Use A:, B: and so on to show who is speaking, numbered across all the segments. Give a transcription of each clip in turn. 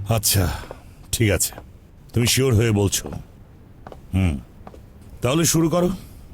A: আচ্ছা ঠিক আছে, তুমি শিওর হয়ে বলছো। তাহলে শুরু করো।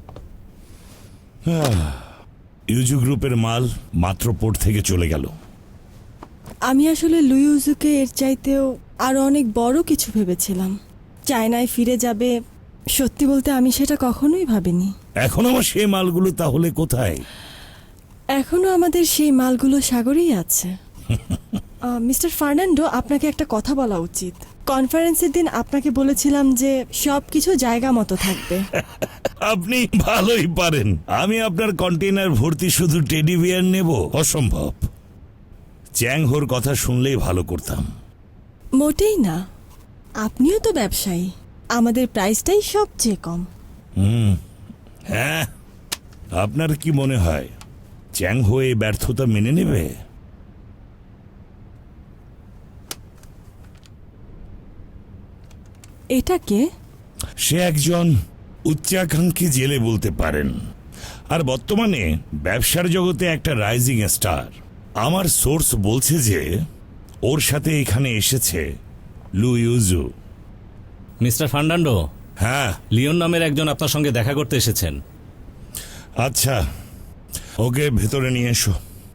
A: ইউজু গ্রুপের মাল মাত্র পোর্ট থেকে চলে গেল।
B: আমি আসলে লুইউজুকে এর চাইতেও আরো অনেক বড় কিছু ভেবেছিলাম। চায়নায় ফিরে যাবে, সত্যি বলতে আমি সেটা কখনোই ভাবিনি।
A: এখন আমার সেই মালগুলো তাহলে কোথায়?
B: এখনো আমাদের সেই মালগুলো সাগরেই আছে। মিস্টার ফার্নান্ডো, আপনাকে একটা কথা বলা উচিত। কনফারেন্সের দিন আপনাকে বলেছিলাম যে সব কিছু জায়গা মতো থাকবে।
A: আপনি ভালোই পারেন। আমি আপনার কন্টেনার ভর্তি শুধু টেডি বিয়ার নেব, অসম্ভব। চ্যাং হোর কথা শুনলেই ভালো করতাম।
B: মোটেই না, আপনিও তো ব্যবসায়ী। আমাদের প্রাইসটাই সবচেয়ে কম।
A: হ্যাঁ, আপনার কি মনে হয় চ্যাং হো এই ব্যর্থতা মেনে নেবে?
B: এটা কে?
A: সে একজন উচ্চাকাঙ্ক্ষী জেলে বলতে পারেন, আর বর্তমানে ব্যবসার জগতে একটা রাইজিং স্টার। আমার সোর্স বলছে যে ওর সাথে এখানে এসেছে লুইউজু।
C: মিস্টার ফার্নান্ডো,
A: হ্যাঁ।
C: লিওন নামের একজন আপনার সঙ্গে দেখা করতে এসেছেন।
A: আচ্ছা, ওকে ভেতরে নিয়ে এসো।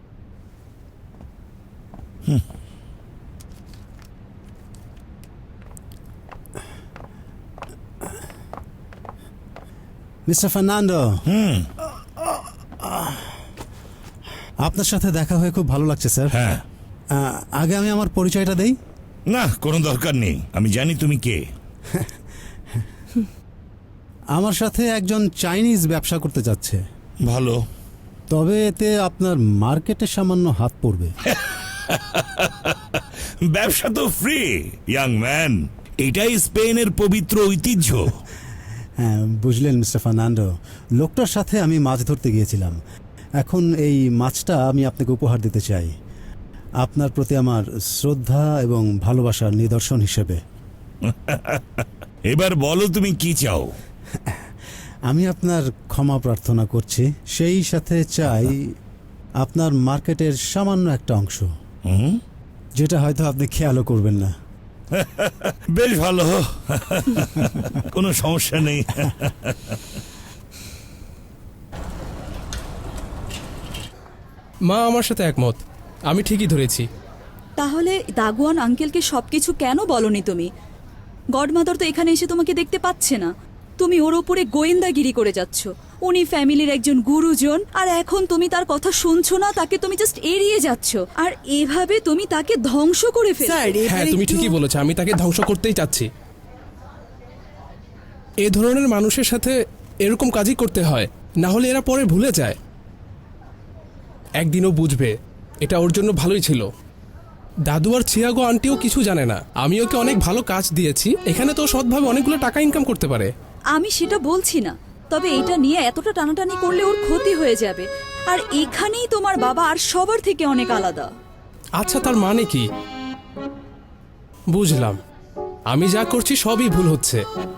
D: মিস্টার ফার্নান্ডো, আপনার সাথে দেখা হয়ে খুব ভালো লাগছে স্যার।
A: হ্যাঁ।
D: আগে আমি আমার পরিচয়টা দেই।
A: না, কোনো দরকার নেই, আমি জানি তুমি কে।
D: আমার সাথে একজন চাইনিজ ব্যবসা করতে যাচ্ছে।
A: ভালো।
D: তবে এতে আপনার মার্কেটে সামান্য হাত পড়বে।
A: ব্যবসা তো ফ্রি, ইয়াং ম্যান। এটাই স্পেনের পবিত্র ঐতিহ্য।
D: হ্যাঁ, বুঝলেন মিস্টার ফার্নান্ডো, লোকটার সাথে আমি মাছ ধরতে গিয়েছিলাম। এখন এই মাছটা আমি আপনাকে উপহার দিতে চাই, আপনার প্রতি আমার শ্রদ্ধা এবং ভালোবাসার নিদর্শন হিসেবে।
A: এবার বলো তুমি কি চাও?
D: আমি আপনার ক্ষমা প্রার্থনা করছি, সেই সাথে চাই আপনার মার্কেটের সামান্য একটা অংশ, যেটা হয়তো আপনি খেয়ালও করবেন না।
A: বেশ ভালো, কোনো সমস্যা নেই।
E: মা আমার সাথে একমত, আমি ঠিকই ধরেছি।
F: তাহলে দাগুয়ান আঙ্কেলকে সবকিছু কেন বলনি তুমি? গডমাদার তো এখানে এসে তোমাকে দেখতে পাচ্ছে না, তুমি ওর ওপরে গোয়েন্দাগিরি করে যাচ্ছ। উনি ফ্যামিলির একজন গুরুজন, আর এখন তুমি তার কথা শুনছো না, তাকে তুমি জাস্ট এড়িয়ে যাচ্ছ, আর এভাবে তুমি তাকে ধ্বংস করে ফেলবে।
E: হ্যাঁ, তুমি ঠিকই বলেছো, আমি তাকে ধ্বংস করতেই চাচ্ছি। এ ধরনের মানুষের সাথে এরকম কাজই করতে হয়, না হলে এরা পরে ভুলে যায়। একদিনও বুঝবে এটা ওর জন্য ভালোই ছিল। দাদু আর চিয়াগো আন্টিও কিছু জানে না, আমি ওকে অনেক ভালো কাজ দিয়েছি, এখানে তো সৎভাবে অনেকগুলো টাকা ইনকাম করতে পারে।
F: আমি সেটা বলছি না, তবে এটা নিয়ে এতটা টানাটানি করলে ওর ক্ষতি হয়ে যাবে। আর এখানেই তোমার বাবা আর সবার থেকে অনেক আলাদা।
E: আচ্ছা, তার মানে কি? বুঝলাম, আমি যা করছি সবই ভুল হচ্ছে।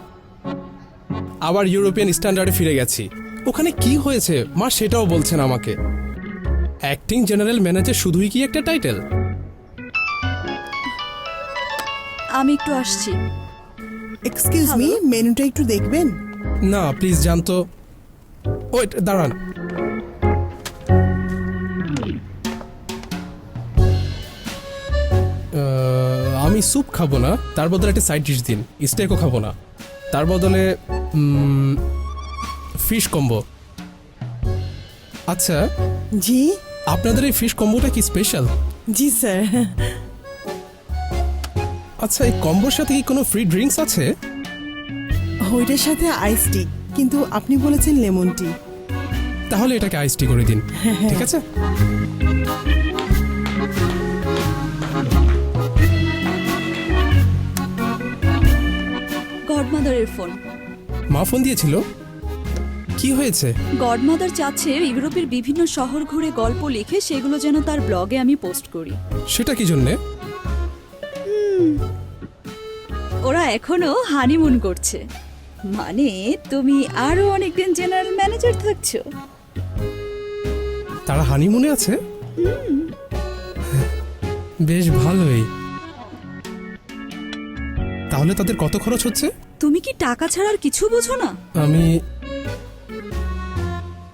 E: আবার ইউরোপিয়ান স্ট্যান্ডার্ডে ফিরে গেছি। ওখানে কি হয়েছে মা সেটাও বলছেন আমাকে। অ্যাক্টিং জেনারেল ম্যানেজার শুধুই কি একটা টাইটেল?
F: আমি একটু আসছি।
G: এক্সকিউজ মি, মেনুটা একটু দেখবেন?
E: না প্লিজ, জানতো। ওয়েট, দাঁড়ান। আমি স্যুপ খাবো না, তার বদলে একটা সাইড ডিশ দিন। স্টেকও খাবো না, তার বদলে ফিশ কম্বো। আচ্ছা,
G: জি
E: আপনাদের এই ফিশ কম্বোটা কি স্পেশাল?
G: জি স্যার।
E: আচ্ছা, এই কম্বোর সাথে কি কোনো ফ্রি ড্রিঙ্কস আছে?
G: ওইটার সাথে আইস টি, কিন্তু আপনি বলেছেন লেমন টি।
E: তাহলে এটাকে আইস টি করে দিন, ঠিক আছে?
F: গডমাদারের ফোন।
E: মা ফোন দিয়েছিল? কি হয়েছে?
F: গডমাদার চাচ্ছে ইউরোপের বিভিন্ন শহর ঘুরে গল্প লিখে সেগুলো যেন তার ব্লগে আমি পোস্ট করি।
E: সেটা কি জন্যে?
F: ওরা এখনো হানিমুন করছে, মানে তুমি আরো অনেকদিন জেনারেল ম্যানেজার থাকছো।
E: তারা হানিমুনে আছে? বেশ ভালোই। তাহলে তাদের কত খরচ হচ্ছে?
F: তুমি কি টাকা ছাড়া আর কিছু বোঝো না?
E: আমি